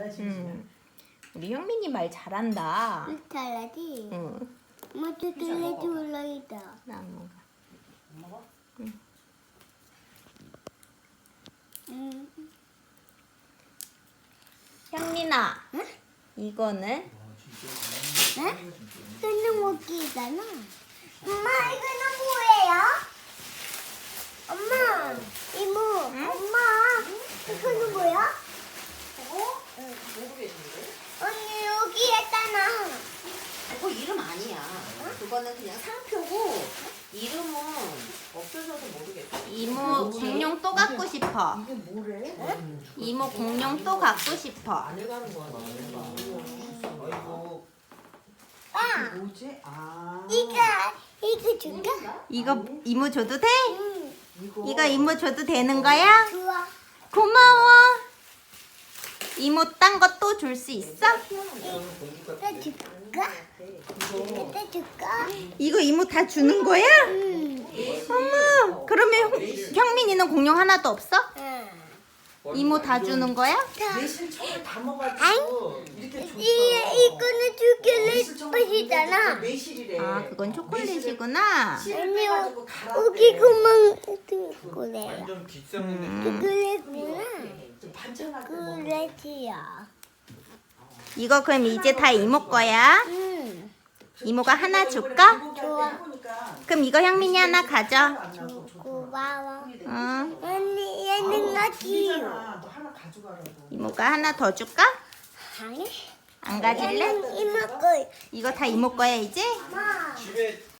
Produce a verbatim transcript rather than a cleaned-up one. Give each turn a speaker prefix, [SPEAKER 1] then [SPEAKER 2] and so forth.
[SPEAKER 1] 달라지지.
[SPEAKER 2] 음. 우리 형민이 말 잘한다.
[SPEAKER 3] 달라지.
[SPEAKER 2] 응.
[SPEAKER 3] 엄마 또 달라지 올라있다.
[SPEAKER 2] 나 안 먹어.
[SPEAKER 1] 안 먹어?
[SPEAKER 3] 응.
[SPEAKER 2] 형민아.
[SPEAKER 3] 응?
[SPEAKER 2] 이거는
[SPEAKER 3] 응? 이거는 먹기잖아. 엄마 이거는 뭐예요? 엄마 이모 엄마 이거는 뭐야?
[SPEAKER 1] 어? 모르겠는데?
[SPEAKER 3] 언니 여기 했잖아.
[SPEAKER 4] 그거 이름 아니야. 그거는 그냥 상표고 이름은 없어져서 모르겠어.
[SPEAKER 2] 이모 공룡 또 갖고 싶어.
[SPEAKER 1] 이게 뭐래?
[SPEAKER 2] 이모 공룡 또 갖고 싶어.
[SPEAKER 1] 안 해가는 거 아니야? 아이고.
[SPEAKER 3] 아
[SPEAKER 1] 뭐지? 아.
[SPEAKER 3] 이거 이거 줄까?
[SPEAKER 2] 이거 이모 줘도 돼?
[SPEAKER 3] 응.
[SPEAKER 1] 이거.
[SPEAKER 2] 이거 이모 줘도 되는 거야?
[SPEAKER 3] 좋아.
[SPEAKER 2] 고마워. 이모 딴 거 또 줄 수 있어?
[SPEAKER 3] 이거 줄까? 이거 줄까?
[SPEAKER 2] 이거 이모 다 주는 거야?
[SPEAKER 3] 응.
[SPEAKER 2] 어머, 그러면 형- 형민이는 공룡 하나도 없어?
[SPEAKER 3] 응.
[SPEAKER 2] 이모 다 주는 거야?
[SPEAKER 1] 내실 처음에 다 먹어가지고 이렇게 줬어.
[SPEAKER 3] 이 이거는 초콜릿 맛이잖아.
[SPEAKER 1] 매실이래.
[SPEAKER 2] 아, 그건 초콜릿이구나.
[SPEAKER 1] 씨를 빼가지고 갈아.
[SPEAKER 3] 여기 그만 초콜릿.
[SPEAKER 5] 완전 비싼
[SPEAKER 2] 음.
[SPEAKER 3] 초콜릿구나.
[SPEAKER 1] 좀 반찬할 때 먹는 거.
[SPEAKER 3] 초콜릿이야.
[SPEAKER 2] 이거 그럼 이제 다 이모 거야?
[SPEAKER 3] 응.
[SPEAKER 2] 이모가 하나 줄까?
[SPEAKER 1] 좋아.
[SPEAKER 2] 그럼 이거 형민이 하나 가져.
[SPEAKER 3] 고마워.
[SPEAKER 2] 응.
[SPEAKER 3] 언니 얘는 어디?
[SPEAKER 1] 너 하나 가져가라고.
[SPEAKER 2] 이모가 하나 더 줄까?
[SPEAKER 3] 아니.
[SPEAKER 2] 안 가질래?
[SPEAKER 3] 얘는 이모 거.
[SPEAKER 2] 이거 다 이모 거야 이제?
[SPEAKER 3] 엄마.
[SPEAKER 5] 집에